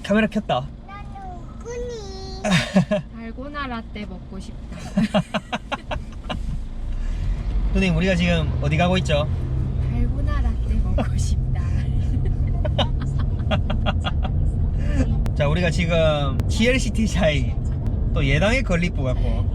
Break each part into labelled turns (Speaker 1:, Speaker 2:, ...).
Speaker 1: 카메라 켰다.
Speaker 2: 달고나 라떼 먹고 싶다.
Speaker 1: 누님, 우리가 지금 어디 가고 있죠?
Speaker 2: 달고나 라떼 먹고 싶다.
Speaker 1: 자, 우리가 지금 GLCT자이 또 예당의 건립부 같고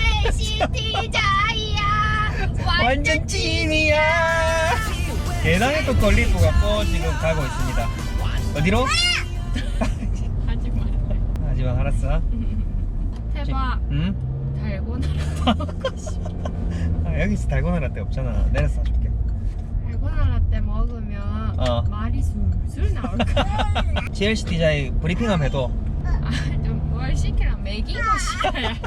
Speaker 2: GLCT자이야
Speaker 1: 완전 찐이야. 예당의 또 건립부 같고 지금 가고 있습니다. 어디로?
Speaker 2: 하지마.
Speaker 1: 하지마, 알았어.
Speaker 2: 대박.
Speaker 1: 응?
Speaker 2: 달고나 라떼 먹고 싶다.
Speaker 1: 아, 여기서 달고나 라떼 없잖아. 내려서 사줄게.
Speaker 2: 달고나 라떼 먹으면 말이 술술 나올 거야.
Speaker 1: GLCT자이 브리핑함 해도
Speaker 2: 좀 뭘 시키라. 매기고 시켜야지.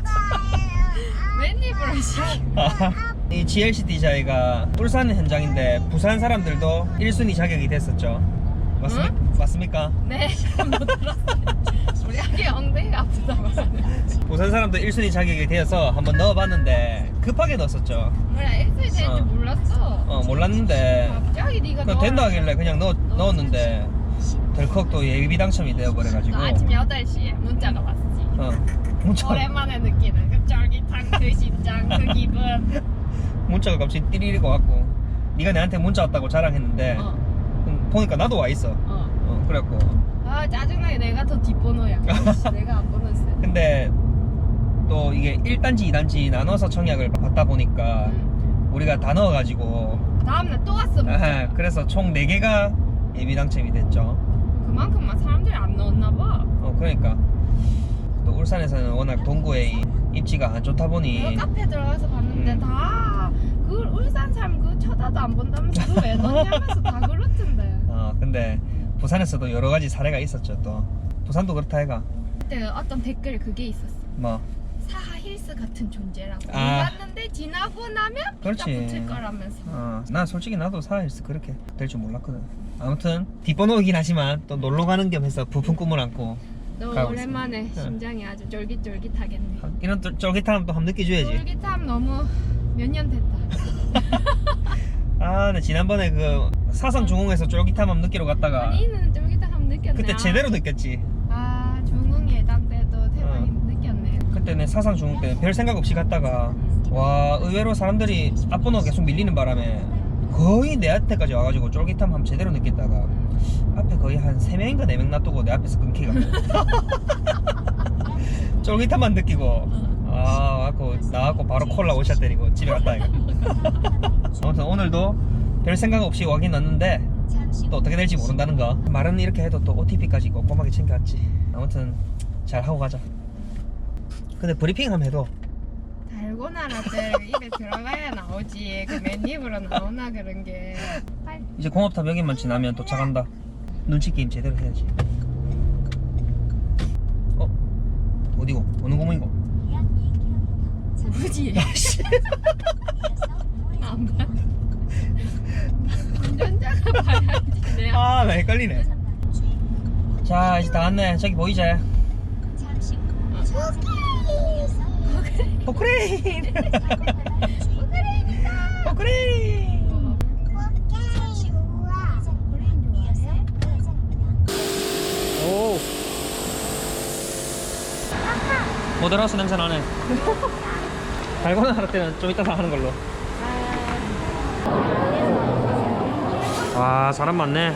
Speaker 2: 맨입으로 시켜.
Speaker 1: 이 GLCT자이가 울산 현장인데 부산 사람들도 1순위 자격이 됐었죠. 맞습니까?
Speaker 2: 네. 한번 들었어요. 우리 아기 엉덩이가 아프다고 하는데.
Speaker 1: 부산 사람도 1순위 자격이 되어서 한번 넣어봤는데 급하게 넣었었죠.
Speaker 2: 그래 1순위 되는지 몰랐어.
Speaker 1: 몰랐는데
Speaker 2: 갑자기 네가
Speaker 1: 그냥 된다 하길래 그냥 넣었는데 덜컥 또 예비 당첨이 되어버려가지고
Speaker 2: 아침 8시에 문자가 왔지.
Speaker 1: 문자,
Speaker 2: 오랜만에 느끼는 그 쫄깃한 그 심장 그 기분.
Speaker 1: 문자가 갑자기 띠리리고 왔고 네가 내한테 문자 왔다고 자랑했는데 보니까 나도 와있어. 그래갖고
Speaker 2: 아 짜증나게 내가 더 뒷번호야. 내가 안 번호였어.
Speaker 1: 근데 또 이게 1단지 2단지 나눠서 청약을 받다 보니까 우리가 다 넣어가지고
Speaker 2: 다음날 또 왔어.
Speaker 1: 그래서 총 4개가 예비 당첨이 됐죠.
Speaker 2: 그만큼만 사람들이 안 넣었나 봐.
Speaker 1: 그러니까 또 울산에서는 워낙 동구에 입지가 안 좋다 보니
Speaker 2: 내가 카페 들어가서 봤는데 다 그 울산 사람 그 쳐다도 안 본다면서 그거 왜 넣냐면서 다 그렇던데.
Speaker 1: 근데 부산에서도 여러 가지 사례가 있었죠. 또 부산도 그렇다 해가.
Speaker 2: 그때 어떤 댓글에 그게 있었어.
Speaker 1: 뭐
Speaker 2: 사하 힐스 같은 존재라고.
Speaker 1: 아.
Speaker 2: 몰랐는데 지나고 나면
Speaker 1: 그렇지.
Speaker 2: 피가 붙을 거라면서.
Speaker 1: 난 솔직히 나도 사일스 그렇게 될 줄 몰랐거든. 아무튼 뒷번호이긴 하지만 또 놀러 가는 겸 해서 부푼 꿈을 안고
Speaker 2: 너
Speaker 1: 가고
Speaker 2: 오랜만에
Speaker 1: 있습니다.
Speaker 2: 심장이 아주 쫄깃쫄깃하겠네.
Speaker 1: 이런 쫄깃함 또 한번 느껴줘야지.
Speaker 2: 쫄깃함 너무 몇 년 됐다.
Speaker 1: 네, 지난번에 그 사상중흥에서 쫄깃함 한번 느끼러 갔다가
Speaker 2: 아니는 쫄깃함 한번 느꼈네.
Speaker 1: 그때 제대로 느꼈지.
Speaker 2: 중흥 예당 때도 대박이 느꼈네.
Speaker 1: 그때는 사상중흥 때 별 생각 없이 갔다가 와 의외로 사람들이 앞번호 계속 밀리는 바람에 거의 내 앞에까지 와가지고 쫄깃함 한번 제대로 느꼈다가 앞에 거의 한 3명인가 4명 놔두고 내 앞에서 끊기가지고 쫄깃함만 느끼고 나와갖고 바로 콜라 오샷 때리고 집에 갔다 이거. 아무튼 오늘도 별 생각 없이 와긴 왔는데 또 어떻게 될지 모른다는 거. 말은 이렇게 해도 또 OTP까지 꼼꼼하게 챙겨왔지. 아무튼 잘 하고 가자. 근데 브리핑 하면 해도
Speaker 2: 달고나 라떼 입에 들어가야 나오지. 그 맨입으로 나오나 그런 게.
Speaker 1: 이제 공업탑 여기만 지나면 도착한다. 눈치 게임 제대로 해야지. 어디고? 어느 공원이고?
Speaker 2: 뭐지? 안 봐. 운전자가 봐야지. 내가.
Speaker 1: 나 헷갈리네. 자, 이제 다 왔네. 저기 보이지? 포크레인! 포크레인! 오! 모델하우스 냄새 나네. 달고나 할 때는 좀 이따 다 하는 걸로. 와, 사람 많네.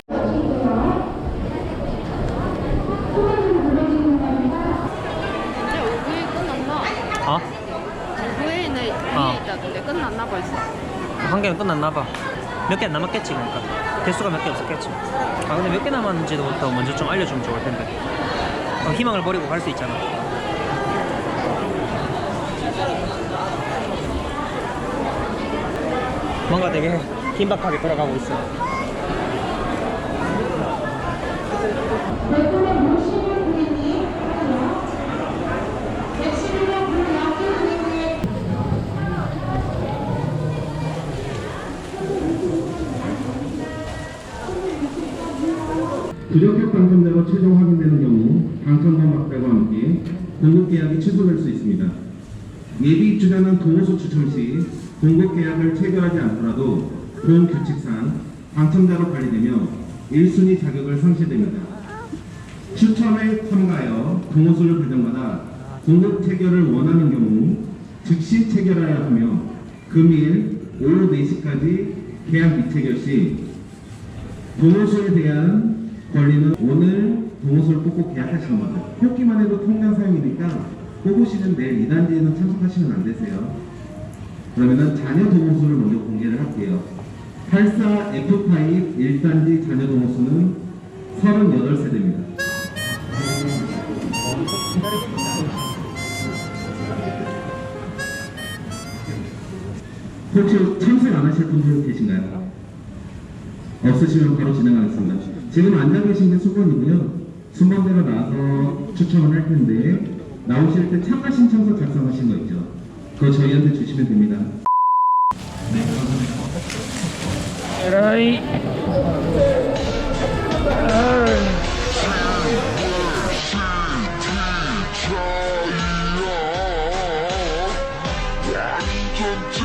Speaker 2: 이제 5부에 끝났나? 5부에는 위에 있다던데 끝났나 벌써?
Speaker 1: 한 개는 끝났나봐. 몇 개 남았겠지. 그러니까 개수가 몇 개 없었겠지. 근데 몇 개 남았는지도 더 먼저 좀 알려주면 좋을 텐데. 희망을 버리고 갈 수 있잖아. 뭔가 되게 긴박하게 돌아가고 있어.
Speaker 3: 부적격 당첨자로 최종 확인되는 경우 당첨자 막대와 함께 공급 계약이 취소될 수 있습니다. 예비 입주자는 도호수 추첨 시 공급 계약을 체결하지 않더라도 본 규칙상 당첨자로 관리되며 1순위 자격을 상실됩니다. 추첨에 참가하여 동호수를 발령받아 공급 체결을 원하는 경우 즉시 체결하여야 하며 금일 오후 4시까지 계약 미체결 시 동호수에 대한 권리는 오늘 동호수를 뽑고 계약하시는 분들, 뽑기만 해도 통장 사용이니까 뽑으시는 내일 2단지에는 참석하시면 안 되세요. 그러면은 자녀 동호수를 먼저 공개를 할게요. 84 F5 1단지 자녀 동호수는 38세대입니다. 혹시 참석 안 하실 분들 계신가요? 없으시면 바로 진행하겠습니다. 지금 앉아 계신 게 수번이고요. 순번대로 나와서 추첨을 할 텐데 나오실 때 참가 신청서 작성하신 거 있죠? 그거 저희한테 주시면 됩니다.
Speaker 1: 에라이.
Speaker 4: 완전